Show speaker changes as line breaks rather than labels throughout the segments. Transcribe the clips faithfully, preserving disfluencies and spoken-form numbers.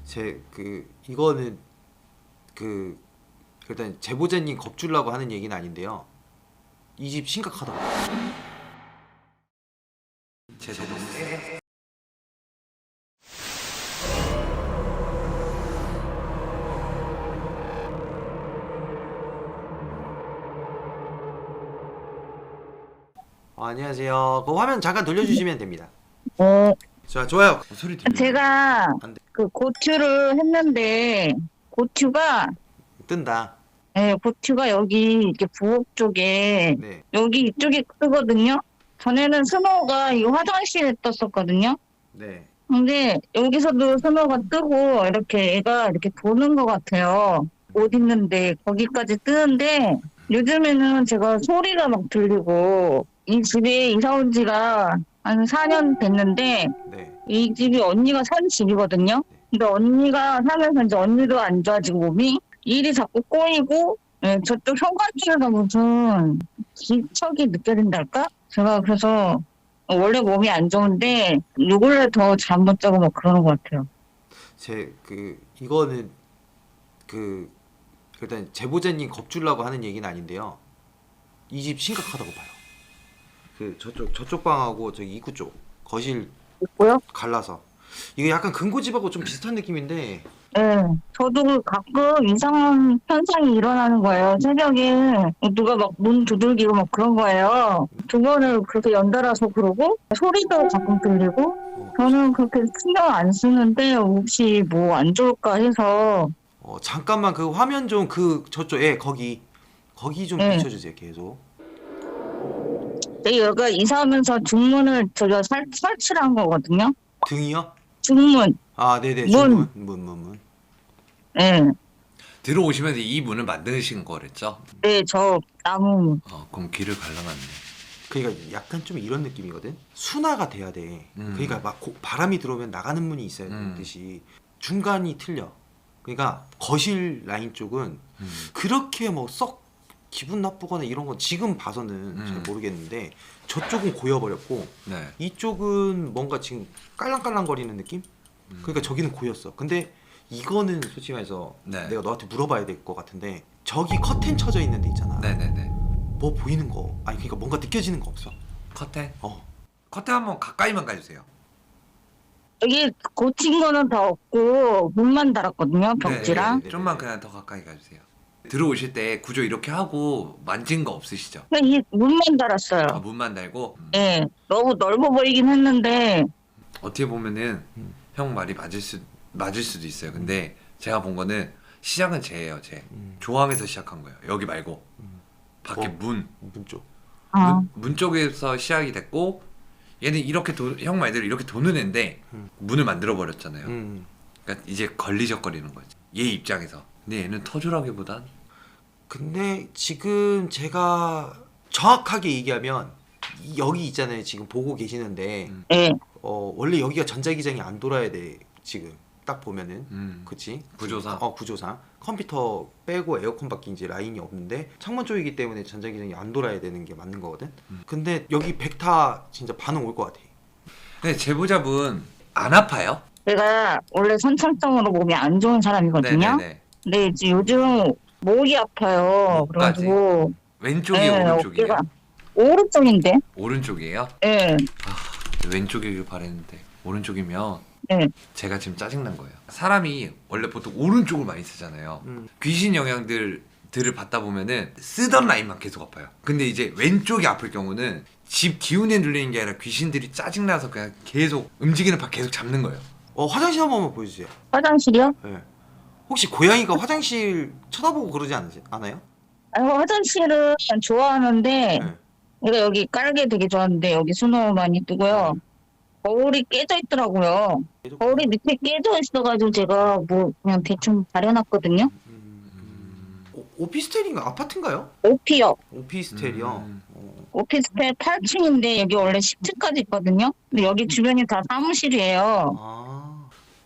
제 그 이거는 그 일단 제보자님 겁주려고 하는 얘기는 아닌데요. 이 집 심각하다고. 제 너무 세. 어, 안녕하세요. 그 화면 잠깐 돌려주시면 됩니다.
어,
자, 좋아요. 어, 소리 들려.
제가
안 돼.
그 고추를 했는데, 고추가,
뜬다.
예, 고추가 여기 이렇게 부엌 쪽에,
네.
여기 이쪽에 뜨거든요? 전에는 스노우가 이 화장실에 떴었거든요?
네.
근데 여기서도 스노우가 뜨고, 이렇게 애가 이렇게 도는 것 같아요. 옷 입는데, 거기까지 뜨는데, 요즘에는 제가 소리가 막 들리고, 이 집에 이사 온 지가 한 사 년 됐는데,
네.
이 집이 언니가 산 집이거든요. 근데 언니가 사면서 이제 언니도 안 좋아지고 몸이 일이 자꾸 꼬이고 예, 저쪽 현관쪽에서 무슨 기척이 느껴진달까? 제가 그래서 원래 몸이 안 좋은데 요 근래 더 잠 못 자고 막 그러는 것 같아요.
제 그 이거는 그 일단 제보자님 겁주려고 하는 얘기는 아닌데요. 이 집 심각하다고 봐요. 그 저쪽 저쪽 방하고 저기 입구 쪽 거실
있고요.
갈라서 이게 약간 금고집하고 좀 비슷한 느낌인데.
예, 저도 가끔 이상한 현상이 일어나는 거예요. 새벽에 누가 막 문 두들기고 막 그런 거예요. 두 번을 그렇게 연달아서 그러고 소리도 가끔 들리고
어,
저는 그렇게 신경 안 쓰는데 혹시 뭐 안 좋을까 해서
어, 잠깐만 그 화면 좀 그 저쪽 에 거기 거기 좀
예,
비춰주세요 계속.
여기가 이사하면서 중문을 저희가 설, 설치를 한 거거든요.
등이요?
중문,
아 네네
문,
중문 문 문 문.
예,
들어오시면서 이 문을 만드신 거랬죠?
네, 저 나무 문.
어, 그럼 길을 갈라놨네.
그러니까 약간 좀 이런 느낌이거든. 순화가 돼야 돼.
음.
그러니까 막 고- 바람이 들어오면 나가는 문이 있어야
음.
되듯이 중간이 틀려. 그러니까 거실 라인 쪽은
음.
그렇게 뭐 썩 기분 나쁘거나 이런 건 지금 봐서는
음.
잘 모르겠는데 저쪽은 고여버렸고
네.
이쪽은 뭔가 지금 깔랑깔랑거리는 느낌?
음.
그러니까 저기는 고였어. 근데 이거는 솔직히 말해서
네.
내가 너한테 물어봐야 될 것 같은데 저기 커튼 쳐져 있는 데 있잖아.
네네네.
뭐 보이는 거 아니 그러니까 뭔가 느껴지는 거 없어?
커튼?
어.
커튼 한번 가까이만 가주세요.
여기 고친 거는 다 없고 문만 달았거든요, 벽지랑.
네.
좀만 그냥 더 가까이 가주세요. 들어오실 때 구조 이렇게 하고 만진 거 없으시죠?
그냥 이 문만 달았어요.
아, 문만 달고. 음.
예, 너무 넓어 보이긴 했는데
어떻게 보면은
음.
형 말이 맞을 수 맞을 수도 있어요. 근데 제가 본 거는 시작은 쟤예요, 쟤.
음.
조항에서 시작한 거예요. 여기 말고
음.
밖에
어.
문.
문 쪽.
아,
문, 문 쪽에서 시작이 됐고 얘는 이렇게 도, 형 말대로 이렇게 도는 애인데
음.
문을 만들어 버렸잖아요.
음.
그러니까 이제 걸리적거리는 거지. 얘 입장에서. 근데 얘는 터주라기보단
근데 지금 제가 정확하게 얘기하면 이- 여기 있잖아요. 지금 보고 계시는데
음.
예,
어 원래 여기가 전자기장이 안 돌아야 돼. 지금 딱 보면은
음.
그치?
구조상.
어 구조상 컴퓨터 빼고 에어컨밖에 이제 라인이 없는데 창문 쪽이기 때문에 전자기장이 안 돌아야 되는 게 맞는 거거든.
음.
근데 여기 백타 진짜 반응 올 것 같아.
근데 제보자분 안 아파요?
제가 원래 선천성으로 몸이 안 좋은 사람이거든요.
네네네.
근데 이제 요즘 목이 아파요.
목까지?
그래가지고
왼쪽이
예,
오른쪽이에요?
어깨가 오른쪽인데,
오른쪽이에요?
예,
왼쪽이길 바랬는데 오른쪽이면
예,
제가 지금 짜증난 거예요. 사람이 원래 보통 오른쪽을 많이 쓰잖아요.
음.
귀신 영향들 들을 받다 보면은 쓰던 라인만 계속 아파요. 근데 이제 왼쪽이 아플 경우는 집 기운에 눌리는 게 아니라 귀신들이 짜증나서 그냥 계속 움직이는 바 계속 잡는 거예요.
어 화장실 한 번만 보여주세요.
화장실이요?
예. 혹시 고양이가 화장실 쳐다보고 그러지 않으시, 않아요?
아니, 화장실은 좋아하는데
예.
내가 여기 깔게 되게 좋아하는데 여기 스노우 많이 뜨고요. 거울이 깨져 있더라고요. 거울이 밑에 깨져 있어가지고 제가 뭐 그냥 대충 가려놨거든요.
음, 오, 오피스텔인가 아파트인가요?
오피요.
오피스텔이요.
음.
어.
오피스텔 팔 층인데 여기 원래 십 층까지 있거든요. 근데 여기 주변이 다 사무실이에요.
아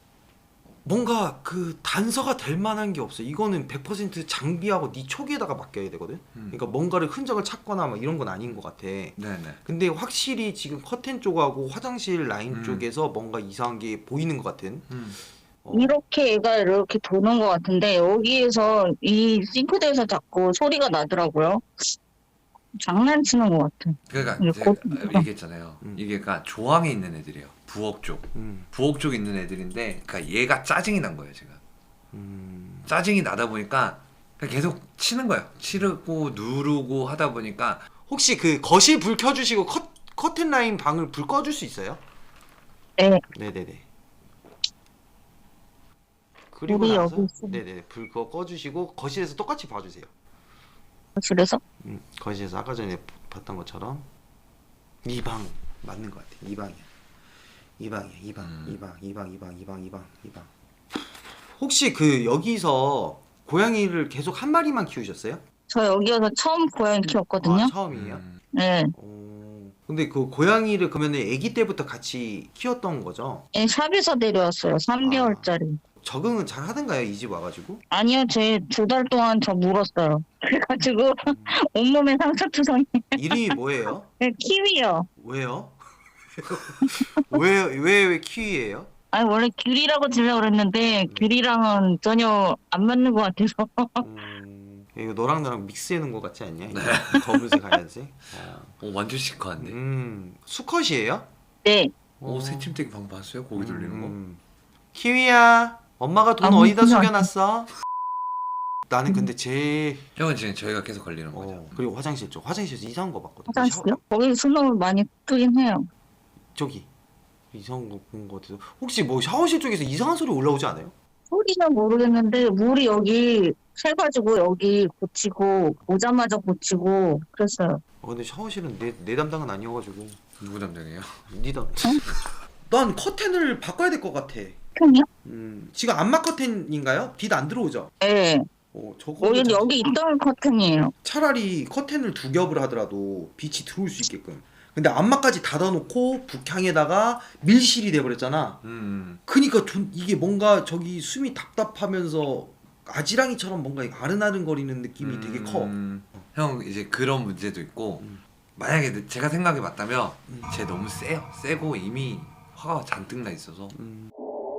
뭔가 그 단서가 될 만한 게 없어. 이거는 백 퍼센트 장비하고 네 촉에다가 맡겨야 되거든.
음.
그러니까 뭔가를 흔적을 찾거나 막 이런 건 아닌 것 같아.
네네.
근데 확실히 지금 커튼 쪽하고 화장실 라인
음.
쪽에서 뭔가 이상한 게 보이는 것 같은.
음.
어.
이렇게 애가 이렇게 도는 것 같은데 여기에서 이 싱크대에서 자꾸 소리가 나더라고요. 장난치는 것 같아.
그러니까
이게
제가
곧-
얘기했잖아요.
음.
이게 그러니까 조항에 있는 애들이에요. 부엌 쪽.
음.
부엌 쪽에 있는 애들인데 그러니까 얘가 짜증이 난 거예요, 제가.
음.
짜증이 나다 보니까 그냥 계속 치는 거예요. 치르고 누르고 하다 보니까
혹시 그 거실 불 켜주시고 컷 커튼 라인 방을 불 꺼줄 수 있어요?
네.
네네네. 그리고
불이
나서
여기 있어.
네네 불 그거 꺼주시고 거실에서 똑같이 봐주세요.
그래서
음, 거실에서 아까 전에 봤던 것처럼 이 방 맞는 것 같아. 이 방이야. 이 방이야. 이 방,
음.
이 방, 이 방, 이 방, 이 방, 이 방, 이 방. 혹시 그 여기서 고양이를 계속 한 마리만 키우셨어요?
저 여기여서 처음 고양이 키웠거든요.
아, 처음이에요?
음,
네.
오, 근데 그 고양이를 그러면 아기 때부터 같이 키웠던 거죠?
예, 샵에서 데려왔어요. 삼 개월짜리.
적응은 잘 하던가요? 이 집 와가지고?
아니요, 제 두 달 동안 저 물었어요. 그래가지고 온몸에 상처투성이.
이름이 뭐예요?
네, 키위요.
왜요? 왜, 왜, 왜 키위예요?
아니 원래 귤이라고 지려고 그랬는데 귤이랑은 전혀 안 맞는 것 같아서.
음, 이거 너랑 나랑 믹스해 놓은 것 같지 않냐? 이거 검은색 하얀색. 어.
어, 완전 시크한데.
음, 수컷이에요?
네.
오, 새침대기 방 봤어요? 고기 돌리는 거?
음. 키위야, 엄마가 돈
아,
어디다
그냥-
숨겨놨어? 나는 근데 제일
형은 지금 저희가 계속 걸리는 거죠.
어, 그리고 화장실 쪽 화장실에서 이상한 거 봤거든.
화장실요? 거기 수능을 많이 뜨긴 해요.
저기 이상한 거 본 거 같아서 혹시 뭐 샤워실 쪽에서 이상한 소리 올라오지 않아요?
소리는 모르겠는데 물이 여기 새가지고 여기 고치고 오자마자 고치고 그랬어요.
어, 근데 샤워실은 내, 내 담당은 아니어가지고
누구 담당이에요?
니 담. 난 커튼을 바꿔야 될 것 같아.
편이요?
음, 지금 안마 커튼인가요? 빛 안 들어오죠?
네.
어, 저거
여기 여기 있던 커튼이에요.
차라리 커튼을 두 겹을 하더라도 빛이 들어올 수 있게끔. 근데 안마까지 닫아놓고 북향에다가 밀실이 돼버렸잖아.
음,
그니까 좀 이게 뭔가 저기 숨이 답답하면서 아지랑이처럼 뭔가 아른아른거리는 느낌이 되게 커.
음, 형 이제 그런 문제도 있고
음.
만약에 제가 생각해 봤다면
음.
쟤 너무 세요. 세고 이미 화가 잔뜩 나 있어서
음.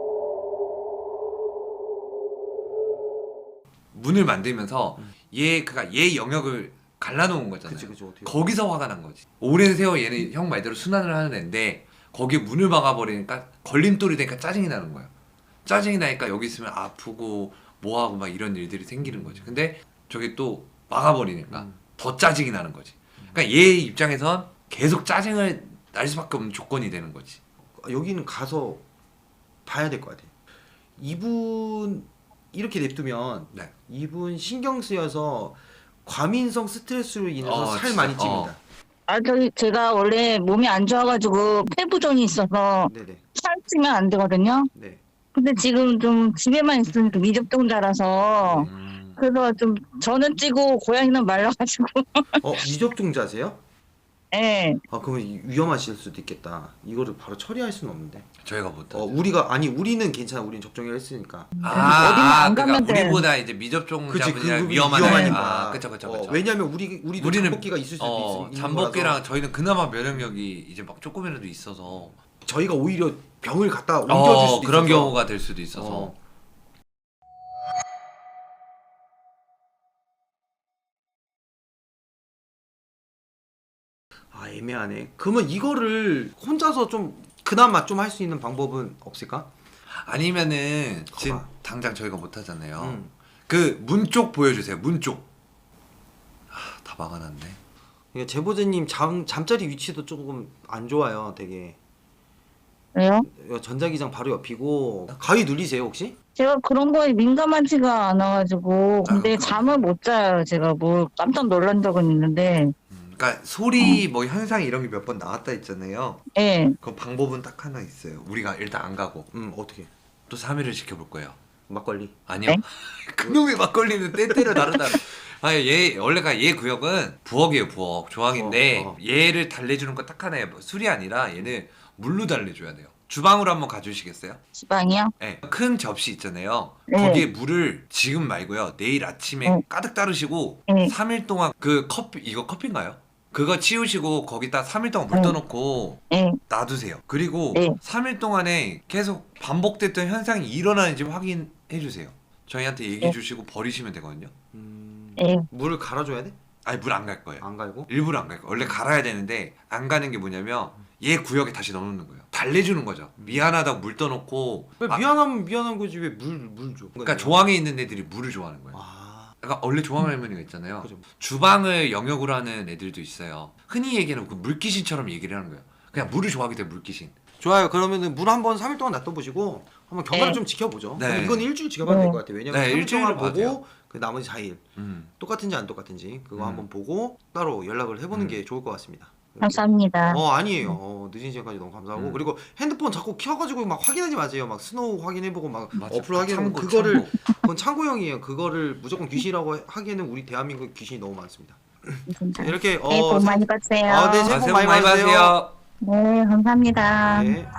문을 만들면서
음.
얘 그가 얘 영역을 갈라놓은 거잖아요.
그치 그치 어떻게?
거기서 화가 난 거지. 오랜 세월 얘는 형 말대로 순환을 하는 애인데 거기에 문을 막아버리니까 걸림돌이 되니까 짜증이 나는 거야. 짜증이 나니까 여기 있으면 아프고 뭐하고 막 이런 일들이 생기는 거지. 근데 저기 또 막아버리니까
음.
더 짜증이 나는 거지. 그러니까 얘 입장에선 계속 짜증을 날 수밖에 없는 조건이 되는 거지.
여기는 가서 봐야 될 것 같아. 이분 이렇게 냅두면
네.
이분 신경 쓰여서 과민성 스트레스로 인해서
어,
살
진짜.
많이 찝니다.
아 저기 제가 원래 몸이 안 좋아가지고 폐부종이 있어서
네네.
살 찌면 안 되거든요.
네.
근데 지금 좀 집에만 있으니까 미접종자라서
음,
그래서 좀 저는 찌고 고양이는 말라가지고.
어 미접종자세요?
예.
아 그러면 이- 위험하실 수도 있겠다. 이거를 바로 처리할 수는 없는데.
저희가 못하죠.
어 우리가 아니 우리는 괜찮아. 우리는 접종을 했으니까.
아,
어디만
아
안
그러니까
가면 돼.
우리보다 이제
그치
미접종자분이랑
그
위험하다.
위험하니까.
아, 그쵸 그쵸
어,
그쵸.
왜냐면 우리 우리도
우리는
잠복기가 있을 수도
어,
있, 있는
잠복기랑
거라서
저희는 그나마 면역력이 이제 막 조금이라도 있어서
저희가 오히려 병을 갖다 옮겨줄
어,
수도
그런
있어서.
경우가 될 수도 있어서
어. 아 애매하네. 그러면 이거를 혼자서 좀 그나마 좀 할 수 있는 방법은 없을까?
아니면은 지금
거봐.
당장 저희가 못 하잖아요.
음.
그 문 쪽 보여주세요. 문 쪽. 아, 다 막아놨네.
그러니까 제보자님 잠 잠자리 위치도 조금 안 좋아요. 되게
왜요?
전자기장 바로 옆이고 가위 눌리세요 혹시?
제가 그런 거에 민감하지가 않아가지고 근데
아,
잠을 못 자요. 제가 뭐 깜짝 놀란 적은 있는데.
음, 그러니까 소리 뭐 현상 이런 게 몇 번 나왔다 있잖아요.
예.
그 방법은 딱 하나 있어요. 우리가 일단 안 가고
음 어떻게?
또 삼 일을 지켜볼 거예요.
막걸리.
아니요.
네?
그놈의 막걸리는 때때려 다르다. 아니 얘 원래가 얘 구역은 부엌이에요 부엌 조항인데
어, 어.
얘를 달래주는 거 딱 하나예요. 술이 아니라 얘는 물로 달래줘야 돼요. 주방으로 한번 가주시겠어요?
지방이요?
네. 큰 접시 있잖아요.
네.
거기에 물을 지금 말고요. 내일 아침에
네.
가득 따르시고
네.
삼 일 동안 그 커피 이거 커피인가요? 그거 치우시고 거기다 삼 일 동안 물
네.
떠놓고
네.
놔두세요. 그리고
네.
삼 일 동안에 계속 반복됐던 현상이 일어나는지 확인해 주세요. 저희한테 얘기해
네.
주시고 버리시면 되거든요.
음...
네.
물을 갈아줘야 돼?
아니 물 안 갈 거예요.
안 갈고?
일부러 안 갈 거예요. 원래 갈아야 되는데 안 가는 게 뭐냐면 얘 구역에 다시 넣어놓는 거예요. 달래주는 거죠. 미안하다고 물 떠놓고
왜
아,
미안하면 미안한 거지 왜 물 물 줘?
그러니까 조항에 있는 애들이 물을 좋아하는 거예요.
아,
그러니까 원래 조항 할머니가 있잖아요.
그죠.
주방을 영역으로 하는 애들도 있어요. 흔히 얘기하는 그 물귀신처럼 얘기를 하는 거예요. 그냥 물을 좋아하기 때문에 물귀신.
좋아요. 그러면은 물 한 번 삼 일 동안 놔둬보시고 한번 경과를
네.
좀 지켜보죠.
네.
그럼 이건 일주일 지켜봐야
네.
될 것 같아요. 왜냐면
네,
삼 일
일주일을
동안
봐야 돼요.
보고 그 나머지 사 일
음.
똑같은지 안 똑같은지 그거
음.
한번 보고 따로 연락을 해보는
음.
게 좋을 것 같습니다.
감사합니다.
어 아니에요. 어, 늦은 시간까지 너무 감사하고
음.
그리고 핸드폰 자꾸 켜가지고 막 확인하지 마세요. 막 스노우 확인해보고 막
맞아.
어플 확인하고
참고,
그거를
참고.
그건 참고용이에요. 그거를 무조건 귀신이라고 하기에는 우리 대한민국 귀신이 너무 많습니다.
진짜.
이렇게
네, 복 많이 받으세요.
아, 네,
아,
새해 복
새해 복
많이
많이
받으세요.
받으세요.
네, 감사합니다.
네.